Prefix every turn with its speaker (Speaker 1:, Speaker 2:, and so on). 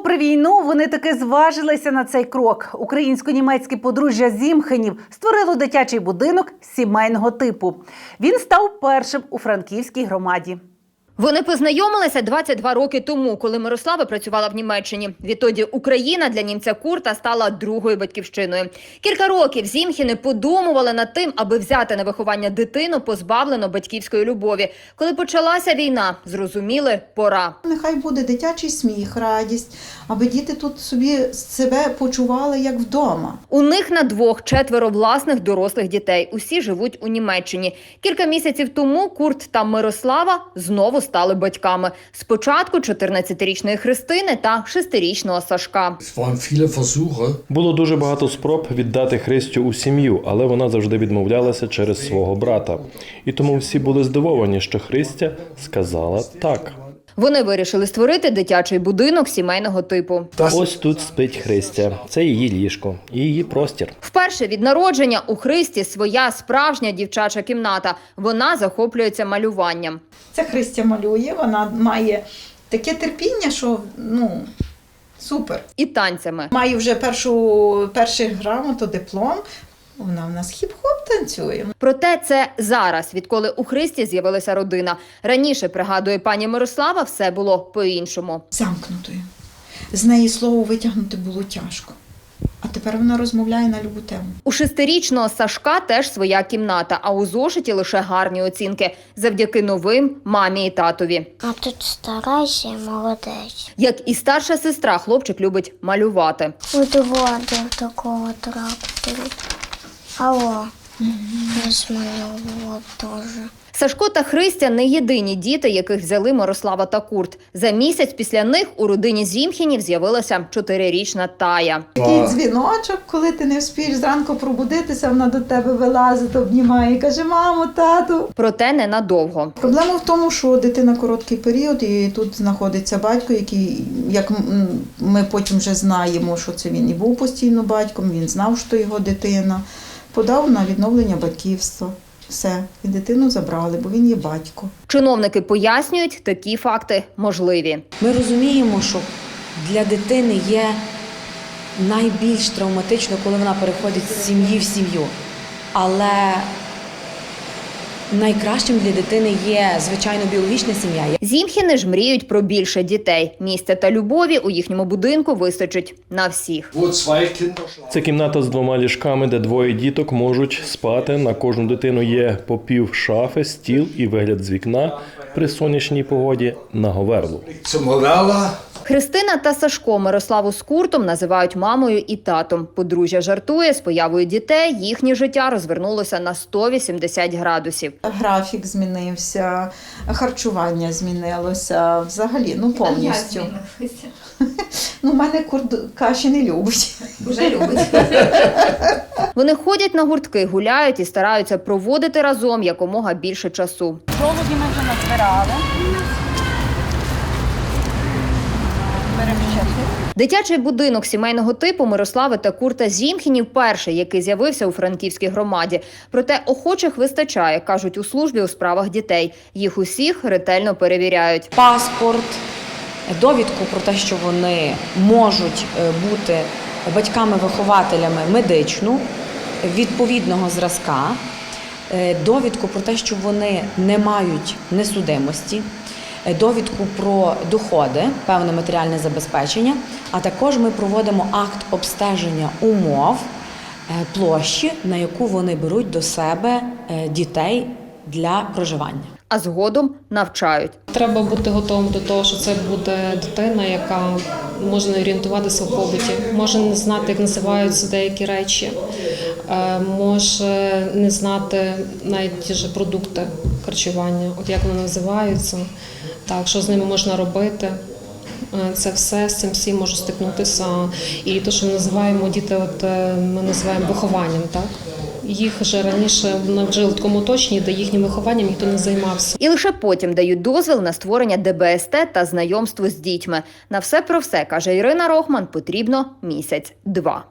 Speaker 1: Попри війну, вони таки зважилися на цей крок. Українсько-німецьке подружжя Зімхенів створило дитячий будинок сімейного типу. Він став першим у Франківській громаді.
Speaker 2: Вони познайомилися 22 роки тому, коли Мирослава працювала в Німеччині. Відтоді Україна для німця Курта стала другою батьківщиною. Кілька років Зімхени подумували над тим, аби взяти на виховання дитину, позбавлену батьківської любові. Коли почалася війна, зрозуміли – пора.
Speaker 3: Нехай буде дитячий сміх, радість, аби діти тут собі себе почували як вдома.
Speaker 2: У них на двох 4 власних дорослих дітей. Усі живуть у Німеччині. Кілька місяців тому Курт та Мирослава знову стали батьками. Спочатку 14-річної Христини та 6-річного Сашка.
Speaker 4: Було дуже багато спроб віддати Христю у сім'ю, але вона завжди відмовлялася через свого брата. І тому всі були здивовані, що Христя сказала «так».
Speaker 2: Вони вирішили створити дитячий будинок сімейного типу.
Speaker 4: Ось тут спить Христя. Це її ліжко і її простір.
Speaker 2: Вперше від народження у Христі своя справжня дівчача кімната. Вона захоплюється малюванням.
Speaker 3: Це Христя малює, вона має таке терпіння, що, супер.
Speaker 2: І танцями.
Speaker 3: Має вже перший грамоту, диплом. Вона в нас хіп-хоп танцює.
Speaker 2: Проте це зараз, відколи у Христі з'явилася родина. Раніше, пригадує пані Мирослава, все було по-іншому.
Speaker 3: Замкнутою. З неї слово витягнути було тяжко. А тепер вона розмовляє на любу тему.
Speaker 2: У 6-річного Сашка теж своя кімната, а у зошиті лише гарні оцінки. Завдяки новим мамі і татові.
Speaker 5: А тут старайся, молодець.
Speaker 2: Як і старша сестра, хлопчик любить малювати.
Speaker 5: От воду такого трактору. Алло, я змалювала теж.
Speaker 2: Сашко та Христя – не єдині діти, яких взяли Мирослава та Курт. За місяць після них у родині Зімхенів з'явилася 4-річна Тая.
Speaker 3: Такий дзвіночок, коли ти не вспієш зранку пробудитися, вона до тебе вилазить, обнімає і каже: мамо, тату.
Speaker 2: Проте ненадовго.
Speaker 3: Проблема в тому, що дитина короткий період, і тут знаходиться батько, який, як ми потім вже знаємо, що це він і був постійно батьком, він знав, що його дитина, подав на відновлення батьківства. Все, і дитину забрали, бо він є батько.
Speaker 2: Чиновники пояснюють, такі факти можливі.
Speaker 6: Ми розуміємо, що для дитини є найбільш травматично, коли вона переходить з сім'ї в сім'ю. Але найкращим для дитини є, звичайно, біологічна сім'я.
Speaker 2: Зімхени ж мріють про більше дітей. Місця та любові у їхньому будинку вистачить на всіх.
Speaker 4: Це кімната з 2 ліжками, де 2 діток можуть спати. На кожну дитину є по пів шафи, стіл і вигляд з вікна при сонячній погоді на говерлу.
Speaker 2: Христина та Сашко Мирославу з Куртом називають мамою і татом. Подружжя жартує, з появою дітей їхнє життя розвернулося на 180 градусів.
Speaker 3: Графік змінився, харчування змінилося, взагалі, повністю. У мене Курт каші не любить.
Speaker 2: Уже любить. Вони ходять на гуртки, гуляють і стараються проводити разом якомога більше часу.
Speaker 1: Жолуді ми вже назбирали.
Speaker 2: Дитячий будинок сімейного типу Мирослави та Курта Зімхенів перший, який з'явився у Франківській громаді. Проте охочих вистачає, кажуть у службі у справах дітей. Їх усіх ретельно перевіряють.
Speaker 6: Паспорт, довідку про те, що вони можуть бути батьками-вихователями медичну, відповідного зразка, довідку про те, що вони не мають несудимості, довідку про доходи, певне матеріальне забезпечення, а також ми проводимо акт обстеження умов площі, на яку вони беруть до себе дітей для проживання.
Speaker 2: А згодом навчають.
Speaker 7: Треба бути готовим до того, що це буде дитина, яка може не орієнтуватися в побуті, може не знати, як називаються деякі речі, може не знати навіть ті ж продукти харчування, от як вони називаються, так, що з ними можна робити. Це все, з цим всім може стикнутися. І те, що ми називаємо діти, ми називаємо вихованням, так? Їх вже раніше навчили в такому оточенні, де їхнім вихованням ніхто не займався.
Speaker 2: І лише потім дають дозвіл на створення ДБСТ та знайомство з дітьми. На все про все, каже Ірина Рохман, потрібно 1-2 місяці.